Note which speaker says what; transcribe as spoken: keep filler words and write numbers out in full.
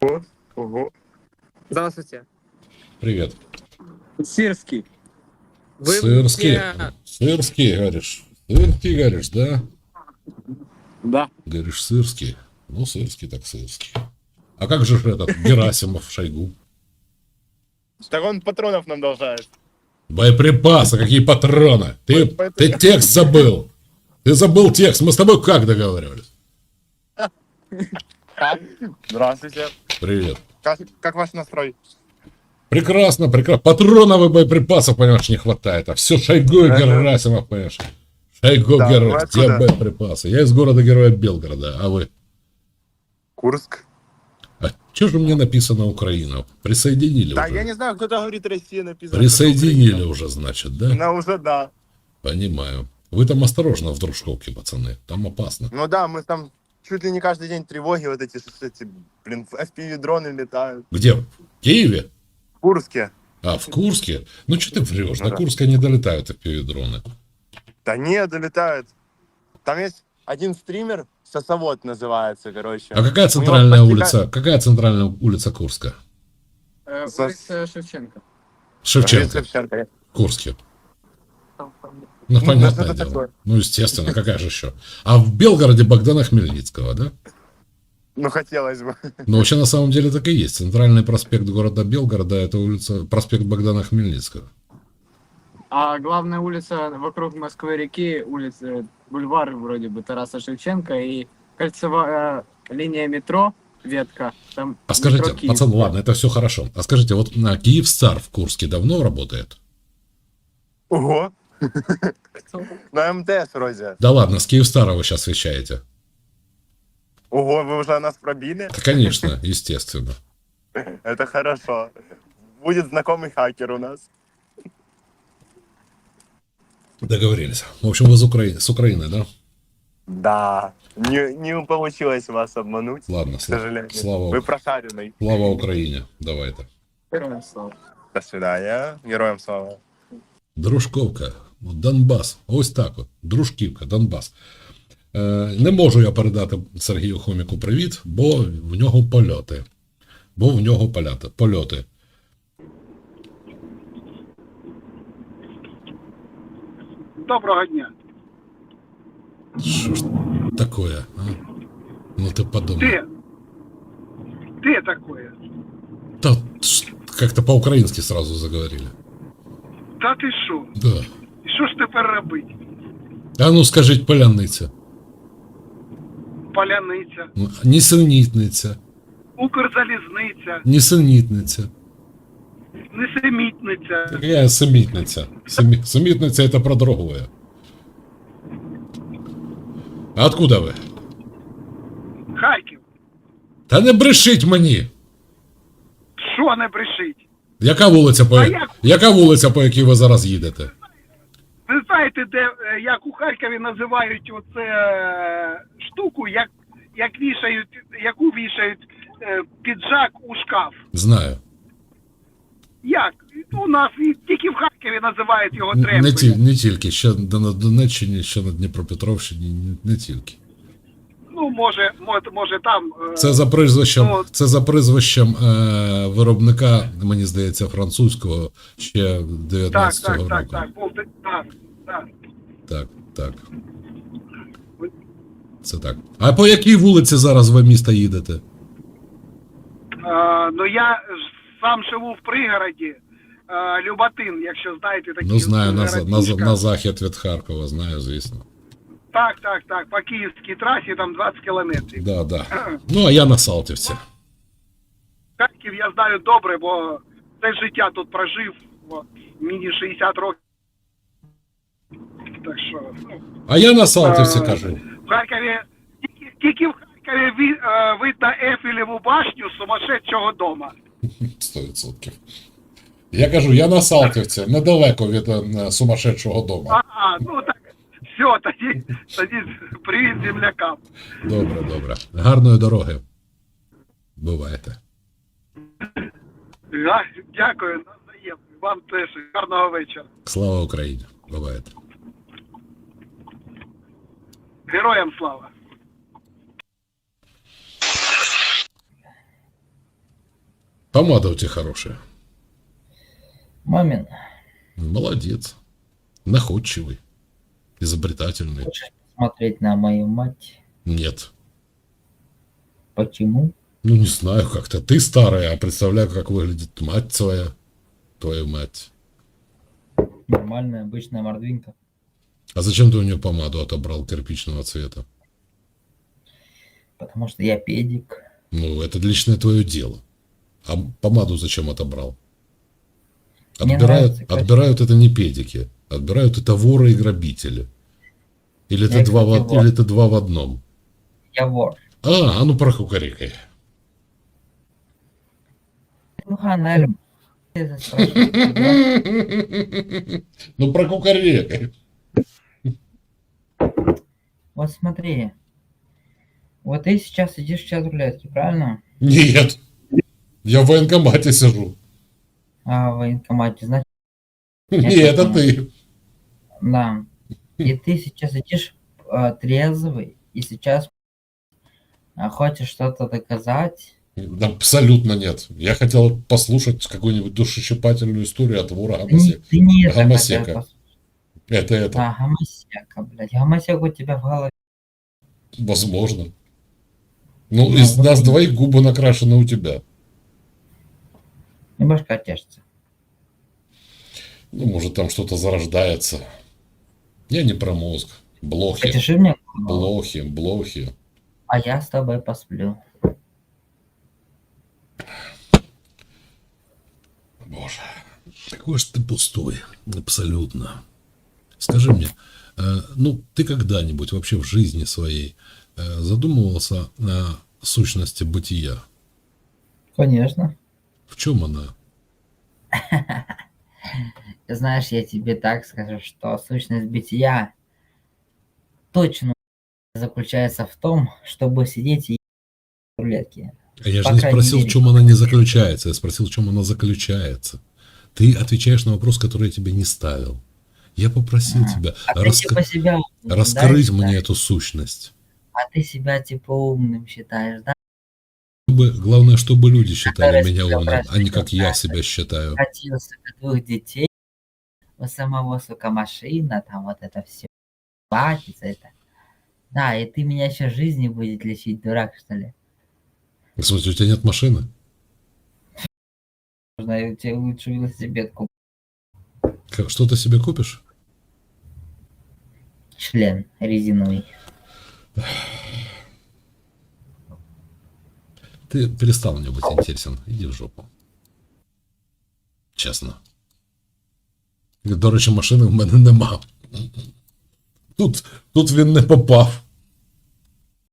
Speaker 1: Ого, ого. Здравствуйте.
Speaker 2: Привет.
Speaker 1: Сирский. Вы
Speaker 2: Сырский.
Speaker 1: мне-
Speaker 2: Сырский, говоришь. Сырский, говоришь, да?
Speaker 1: Да.
Speaker 2: Говоришь, сырский. Ну, сырский так сырский. А как же ж этот Герасимов, Шойгу?
Speaker 3: Так он патронов нам должает.
Speaker 2: Боеприпасы, какие патроны? Ты,
Speaker 3: Поэтому-
Speaker 2: ты текст забыл. Ты забыл текст. Мы с тобой как договаривались?
Speaker 3: Здравствуйте.
Speaker 2: Привет.
Speaker 3: Как, как ваш настрой?
Speaker 2: Прекрасно, прекрасно. Патронов и боеприпасов, понимаешь, не хватает. А все Шойгу и
Speaker 3: Ага.
Speaker 2: Герасимов, понимаешь. Шойгу,
Speaker 3: Да,
Speaker 2: Герасимов.
Speaker 3: вы
Speaker 2: Где
Speaker 3: откуда?
Speaker 2: боеприпасы? Я из города-героя Белгорода, а вы?
Speaker 3: Курск.
Speaker 2: А что же мне написано Украина? Присоединили
Speaker 3: Да,
Speaker 2: уже?
Speaker 3: я не знаю, кто-то говорит Россия написано.
Speaker 2: Присоединили
Speaker 3: кто-то
Speaker 2: уже, значит,
Speaker 3: Украина.
Speaker 2: да?
Speaker 3: Ну, уже да.
Speaker 2: Понимаю. Вы там осторожно в Дружковке, пацаны. Там опасно.
Speaker 3: Ну да, мы там чуть ли не каждый день тревоги вот эти, что эти, блин, эф пи ви-дроны летают.
Speaker 2: Где? В Киеве?
Speaker 3: В Курске.
Speaker 2: А, в Курске? Ну, что ты врешь?
Speaker 3: Ну
Speaker 2: До
Speaker 3: да.
Speaker 2: Курска не долетают эф пи ви-дроны.
Speaker 3: Да не, долетают. Там есть один стример, Сосовод называется, короче.
Speaker 2: А какая
Speaker 3: У него
Speaker 2: центральная
Speaker 3: подтека-
Speaker 2: улица? Какая центральная улица Курска?
Speaker 1: Э,
Speaker 3: За-
Speaker 1: улица Шевченко.
Speaker 2: Шевченко.
Speaker 3: Шевченко.
Speaker 2: В Курске.
Speaker 1: Там, там.
Speaker 2: Ну,
Speaker 3: Ну,
Speaker 2: понятное
Speaker 3: что-то
Speaker 2: дело.
Speaker 3: такое.
Speaker 2: Ну, естественно, какая же еще? А в Белгороде Богдана Хмельницкого, да?
Speaker 3: Ну, хотелось бы.
Speaker 2: Но вообще на самом деле так и есть. Центральный проспект города Белгорода — это улица, проспект Богдана Хмельницкого.
Speaker 1: А главная улица вокруг Москвы-реки, улица, бульвар вроде бы Тараса Шевченко и кольцевая э, линия метро, ветка. Там
Speaker 2: А скажите,
Speaker 1: метро Киев.
Speaker 2: пацан, ладно, это все хорошо. А скажите, вот на Киевстар в Курске давно работает?
Speaker 3: Ого. На МТС вроде.
Speaker 2: Да ладно, с Киевстара вы сейчас вещаете.
Speaker 3: Ого, вы уже нас пробили?
Speaker 2: Да, конечно, естественно.
Speaker 3: Это хорошо. Будет знакомый хакер у нас.
Speaker 2: Договорились. В общем, вы с, Укра... с Украины, да?
Speaker 3: Да. Не, не получилось вас обмануть,
Speaker 2: Ладно,
Speaker 3: к
Speaker 2: слава,
Speaker 3: сожалению.
Speaker 2: слава,
Speaker 3: Вы прошаренный.
Speaker 2: слава Україні. Давайте.
Speaker 1: Героям слава.
Speaker 3: До свидания. Героям слава.
Speaker 2: Дружковка, от Донбас. Ось так от. Дружківка, Донбас. Е, не можу я передати Сергію Хоміку привіт, бо в нього польоти. Бо в нього польоти. польоти.
Speaker 4: Доброго дня.
Speaker 2: Що ж такое, а? Ну ты подумай.
Speaker 4: Ты? Ты такое?
Speaker 2: Да, ш- как-то по-украински сразу заговорили.
Speaker 4: Та ти що?
Speaker 2: Да.
Speaker 4: І що ж тепер робити?
Speaker 2: А ну скажіть, поляниця.
Speaker 4: Поляниця,
Speaker 2: Ну, Нісенітниця.
Speaker 4: Укрзалізниця,
Speaker 2: Нісенітниця.
Speaker 4: Несемітниця.
Speaker 2: Какая семітниця? Семі... Семітниця это про другое. А откуда ви?
Speaker 4: Харків.
Speaker 2: Та не брешіть мені!
Speaker 4: Що не брешить?
Speaker 2: Яка вулиця, по...
Speaker 4: А як?
Speaker 2: Яка вулиця, по якій ви зараз їдете?
Speaker 4: Ви знаєте, де, е, як у Харкові називають оце е, штуку, як, як вішають, яку вішають е, піджак у шкаф?
Speaker 2: Знаю.
Speaker 4: Як? У нас і тільки в Харкові називають його
Speaker 2: Н- Не,
Speaker 4: тренкою.
Speaker 2: ті... не тільки, ще на Донеччині, ще на Дніпропетровщині, не, не тільки.
Speaker 4: Ну, може, може, може там. е,
Speaker 2: Це за прізвищем,
Speaker 4: Ну,
Speaker 2: це за прізвищем е, виробника, мені здається, французького ще
Speaker 4: Так,
Speaker 2: дев'ятнадцятого
Speaker 4: так,
Speaker 2: року.
Speaker 4: так, так, був, так, так.
Speaker 2: Так, так. Це так. А по якій вулиці зараз ви міста їдете?
Speaker 4: Е, ну я ж сам живу в пригороді. Е, Люботин, якщо знаєте такі.
Speaker 2: Ну, знаю, на, за- на, за-
Speaker 4: городишка.
Speaker 2: на захід від Харкова, знаю, звісно.
Speaker 4: Так, так, так. По київській трасі там двадцять кілометрів.
Speaker 2: Да, да. Ну, а я на Салтівці.
Speaker 4: Харків я знаю добре, бо все життя тут прожив. От, мені шістдесят років. Так що, ну,
Speaker 2: А я на Салтівці
Speaker 4: Е,
Speaker 2: кажу.
Speaker 4: в Харкові, тільки, тільки в Харкові ви, е, видно Ейфелеву башню сумасшедшого дома.
Speaker 2: Сто відсотків. Я кажу, я на Салтівці, недалеко від е, сумасшедшого дому.
Speaker 4: Ага, ну так, все, тоді, тоді привіт землякам.
Speaker 2: Добре, добре. Гарної дороги. Бувайте.
Speaker 4: Га- Дякую, навзаєм. Вам теж гарного вечора.
Speaker 2: Слава Україні. Бувайте.
Speaker 4: Героям слава.
Speaker 2: Помада у тебя хорошая.
Speaker 5: Мамин,
Speaker 2: Молодец. Находчивый. Изобретательный.
Speaker 5: хочешь посмотреть на мою мать?
Speaker 2: Нет.
Speaker 5: Почему?
Speaker 2: Ну, не знаю, как-то. Ты старая, а представляю, как выглядит мать твоя. Твою мать.
Speaker 5: Нормальная, обычная мордвинка.
Speaker 2: А зачем ты у нее помаду отобрал кирпичного цвета?
Speaker 5: Потому что я педик.
Speaker 2: Ну, это личное твое дело. А помаду зачем отобрал?
Speaker 5: Мне
Speaker 2: Отбирают,
Speaker 5: нравится красиво.
Speaker 2: отбирают это не педики. Отбирают это воры и грабители. Или это,
Speaker 5: Я,
Speaker 2: два в,
Speaker 5: кстати,
Speaker 2: од-
Speaker 5: вор.
Speaker 2: или это два в одном.
Speaker 5: Я вор.
Speaker 2: А, а ну прокукарекай.
Speaker 5: Ну, Ханель, ты это спрашиваешь, да?
Speaker 2: Ну прокукарекай.
Speaker 5: Вот смотри. Вот ты сейчас сидишь в чат рулетки, правильно?
Speaker 2: Нет. Я в военкомате сижу.
Speaker 5: А в военкомате, значит,
Speaker 2: Не,
Speaker 5: Я
Speaker 2: это
Speaker 5: понял.
Speaker 2: ты.
Speaker 5: да. И ты сейчас сидишь а, трезвый, и сейчас а, хочешь что-то доказать.
Speaker 2: Абсолютно нет. Я хотел послушать какую-нибудь душещипательную историю от вора
Speaker 5: Ты не,
Speaker 2: Гомосека.
Speaker 5: ты не это
Speaker 2: Гомосека.
Speaker 5: хотел послушать.
Speaker 2: Это это.
Speaker 5: А, гомосека, блядь. Гомосек у тебя в голове.
Speaker 2: Возможно. Ну,
Speaker 5: Ну,
Speaker 2: из
Speaker 5: вот
Speaker 2: нас
Speaker 5: именно.
Speaker 2: двоих губы накрашены у тебя.
Speaker 5: И башка тешится.
Speaker 2: Ну, может, там что-то зарождается. Я не про мозг. Блохи.
Speaker 5: Потеши мне голову,
Speaker 2: Блохи, блохи.
Speaker 5: а я с тобой посплю.
Speaker 2: Боже. Какой же ты пустой. Абсолютно. Скажи мне, э, ну, ты когда-нибудь вообще в жизни своей э, задумывался о сущности бытия?
Speaker 5: Конечно.
Speaker 2: В чем она?
Speaker 5: Знаешь, я тебе так скажу, что сущность бытия точно заключается в том, чтобы сидеть и в рулетке.
Speaker 2: А я же
Speaker 5: По
Speaker 2: не
Speaker 5: крайней
Speaker 2: спросил, в
Speaker 5: мере,
Speaker 2: чем она не заключается. Я спросил, в чем она заключается. Ты отвечаешь на вопрос, который я тебе не ставил. Я попросил
Speaker 5: Ага.
Speaker 2: тебя
Speaker 5: А ты
Speaker 2: раска-
Speaker 5: типа себя умным,
Speaker 2: раскрыть
Speaker 5: да,
Speaker 2: мне
Speaker 5: считаешь?
Speaker 2: эту сущность.
Speaker 5: А ты себя типа умным считаешь, да?
Speaker 2: Чтобы, главное, чтобы люди считали
Speaker 5: Который
Speaker 2: меня
Speaker 5: себя
Speaker 2: умным, а не
Speaker 5: простил,
Speaker 2: как я
Speaker 5: да,
Speaker 2: себя считаю.
Speaker 5: Катился до двух детей, у самого, сука, машина, там вот это все, платится это. Да, и ты меня еще жизни будет лечить, дурак, что ли?
Speaker 2: В смысле, у тебя нет машины?
Speaker 5: Можно я тебе лучше велосипед куплю.
Speaker 2: Как- Что ты себе купишь?
Speaker 5: Член резиновый.
Speaker 2: Ты перестал мне быть интересен. Иди в жопу. Чесно. До речі, машини в мене нема. Тут, тут він не попав.